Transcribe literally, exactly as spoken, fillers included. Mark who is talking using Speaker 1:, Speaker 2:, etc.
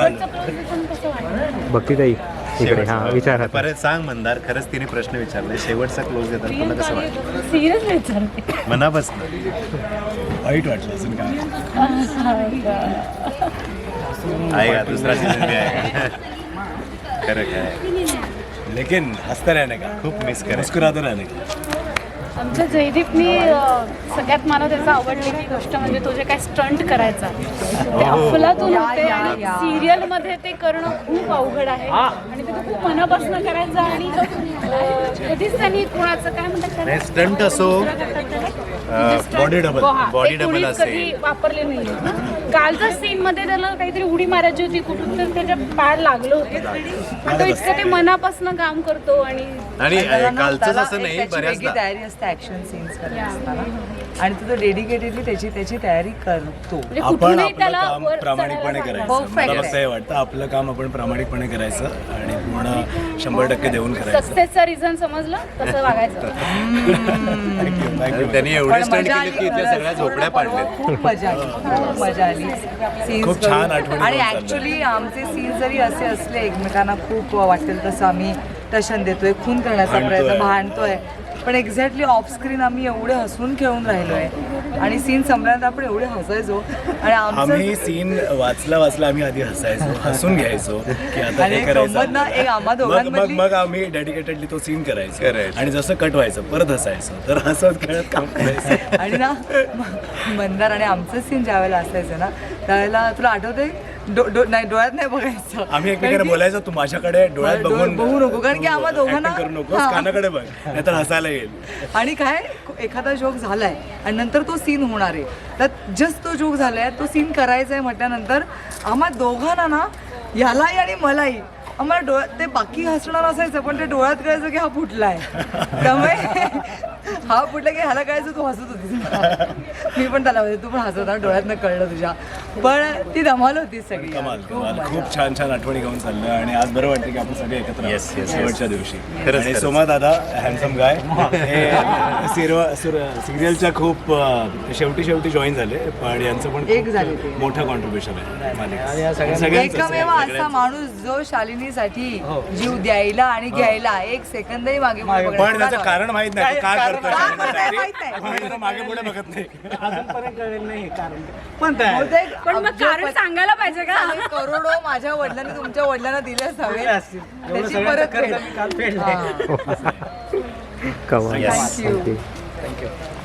Speaker 1: शेवटचं क्लोज कसं वाटलं?
Speaker 2: भक्तीताई इकडे हां विचारा.
Speaker 3: परत सांग मंदार, खरंच तिने प्रश्न विचारले. शेवटचा क्लोज देतात तुला कसं वाटलं?
Speaker 1: सिरियस विचारते.
Speaker 3: मनापासून
Speaker 4: वाईट वाटलं अजून काय.
Speaker 3: आहे का दुसरा सीझन बी आहे का? खरं काय,
Speaker 4: लेकिन हसता रहने का,
Speaker 3: खूप मिस करा.
Speaker 4: मुस्कुराते रहने का.
Speaker 1: आमच्या जयदीपनी अं, सगळ्यात मला त्याचा आवडलेली गोष्ट म्हणजे तो जे काय स्टंट करायचा ते अफलातून होते आणि सिरियलमध्ये ते करणं खूप अवघड आहे आणि ते तो खूप मनापासून करायचं आणि अं, कधीच त्यांनी कोणाचं काय म्हणतात
Speaker 3: नाही, स्टंट असो, बॉडी डबल बॉडी डबल
Speaker 1: कधी
Speaker 3: असेल.
Speaker 1: वापरले नाही. कालच्या सीन मध्ये त्याला काहीतरी उडी मारायची होती कुठून तर त्याच्या पाड लागलं होतं. तो इतकं ते मनापासून काम करतो आणि
Speaker 3: आणि कालचंच
Speaker 5: त्याला
Speaker 3: असं
Speaker 5: एक
Speaker 3: नाही,
Speaker 5: त्याची वेगळी
Speaker 3: बऱ्याचदा
Speaker 5: तयारी असते ऍक्शन सीन्स करत असताना आणि तो डेडिकेटेडली त्याची त्याची तयारी करतो.
Speaker 1: म्हणजे
Speaker 4: आपण
Speaker 1: कुठूनही
Speaker 4: आपलं
Speaker 1: त्याला
Speaker 4: काम
Speaker 1: वर
Speaker 4: प्रामाणिकपणे
Speaker 1: चढायला
Speaker 4: करायचं.
Speaker 5: Perfect
Speaker 4: मला फक्त हे वाटतं आपलं काम आपण प्रामाणिकपणे करायचं आणि पूर्ण शंभर टक्के देऊन करायचं.
Speaker 1: सक्सेसचा रिझन समजलं तसं वागायचं.
Speaker 4: Thank you thank you.
Speaker 3: त्यांनी एवढे
Speaker 5: पण
Speaker 3: स्टंट
Speaker 5: मजा
Speaker 3: केले
Speaker 5: आली
Speaker 3: की इथल्या सगळ्या
Speaker 5: पूर्ण
Speaker 3: झोपड्या
Speaker 5: पर्व
Speaker 3: पाडल्यात.
Speaker 5: खूप मजा आली खूप मजा आली Scenes
Speaker 4: खूप छान
Speaker 5: करून.
Speaker 4: आठवणी
Speaker 5: आणि
Speaker 4: करून
Speaker 5: ऍक्च्युली आमचे सीन जरी असे असले एकमेकांना खूप वाटेल तसं आम्ही टशन देतोय, खून करण्याचा
Speaker 4: भांडतोय.
Speaker 5: प्रयत्न भांडतोय, पण एक्झॅक्टली ऑफ स्क्रीन आम्ही एवढे हसून खेळून राहिलोय आणि सीन संपल्यानंतर आपण एवढे हसायचो आणि
Speaker 4: आम्ही
Speaker 5: आमचं
Speaker 4: सीन वाचला वाचला आम्ही आधी हसायचो, हसून घ्यायचो की आता
Speaker 5: आणि
Speaker 4: हे
Speaker 5: एक गंमत
Speaker 4: करायचं.
Speaker 5: ना, एक आम्हा
Speaker 4: मग मग
Speaker 5: दोघांमधली
Speaker 4: मग आम्ही डेडिकेटेडली तो सीन करायचो
Speaker 3: करायचो.
Speaker 4: आणि जसं कट व्हायचं परत हसायचो, तर हसत खेळत काम करायचं.
Speaker 5: आणि ना म- मंदार आणि आमचं सीन ज्या वेळेला असायचं ना त्यावेळेला तुला आठवतंय डो डो नाही डोळ्यात नाही बघायचं.
Speaker 4: आम्ही एकमेकांना बोलायचो तू माझ्याकडे डोळ्यात
Speaker 5: डोळ्यात
Speaker 4: बघून
Speaker 5: बघू नको, कारण की आम्हा दोघांना-
Speaker 4: acting करू नकोस,
Speaker 5: हां.
Speaker 4: कानाकडे बघ नाहीतर हसायला येईल.
Speaker 5: आणि काय एखादा जोक झालाय आणि नंतर तो सीन होणार आहे तर जस्ट तो जोक झालाय तो सीन करायचा आहे म्हटल्यानंतर आम्हा दोघांना ना ह्यालाही आणि मलाही आम्हाला डोळ्यात ते बाकी हसणार असायचं पण ते डोळ्यात कळायचं की हा फुटलाय. त्यामुळे हा फुटला की ह्याला कळायचं तू हसत होतीस. मी पण त्याला म्हणजे तू पण हसत होता डोळ्यातनं कळलं तुझ्या, पण ती धमाल होती सगळी.
Speaker 4: कमाल
Speaker 5: खूप
Speaker 4: कमाल
Speaker 5: मजा.
Speaker 4: खूप छान छान आठवणी घेऊन चाललं आणि आज बरं वाटतं की आपण सगळे एकत्र आहोत
Speaker 3: Yes, yes, yes.
Speaker 4: शेवटच्या दिवशी.
Speaker 3: खरंच,
Speaker 4: आणि
Speaker 3: खरंच.
Speaker 4: सोमा दादा हॅन्डसम गाय हे सिरियलच्या खूप अं, शेवटी शेवटी जॉईन झाले पण यांचं पण
Speaker 5: एक
Speaker 4: खूप
Speaker 5: झाले ते.
Speaker 4: मोठं कॉन्ट्रीब्युशन आहे मालिकेत.
Speaker 2: सगळ्यांचं-
Speaker 4: सगळ्यांचं-
Speaker 5: एकमेव असा
Speaker 4: सगळ्यांचं.
Speaker 5: माणूस जो शालिनीसाठी जीव द्यायला आणि घ्यायला एक सेकंदही मागे पुढे बघणार
Speaker 4: पण त्याचं
Speaker 5: नाही.
Speaker 4: कारण माहित नाही तो का
Speaker 5: कारण-
Speaker 4: करतोय
Speaker 5: का करतोय
Speaker 4: शालिनीसाठी.
Speaker 5: माहित नाही.
Speaker 4: म्हणून त्याला मागे पुढे बघत नाही.
Speaker 2: अजूनपर्यंत कळेल नाही कारण
Speaker 5: बहुतेक
Speaker 1: पण मग
Speaker 5: अब्ज
Speaker 1: कारण
Speaker 5: पती-
Speaker 1: सांगायला पाहिजे का?
Speaker 5: करोडो माझ्या वडिलांनी तुमच्या वडिलांना दिलेच हवे
Speaker 2: असतील. एवढं
Speaker 5: त्याची
Speaker 2: सगळं
Speaker 5: परत
Speaker 2: कर्ज मी काल फेडलंय.
Speaker 5: हां.
Speaker 2: कमाल.
Speaker 4: Yes.
Speaker 5: Thank you.
Speaker 2: Thank you.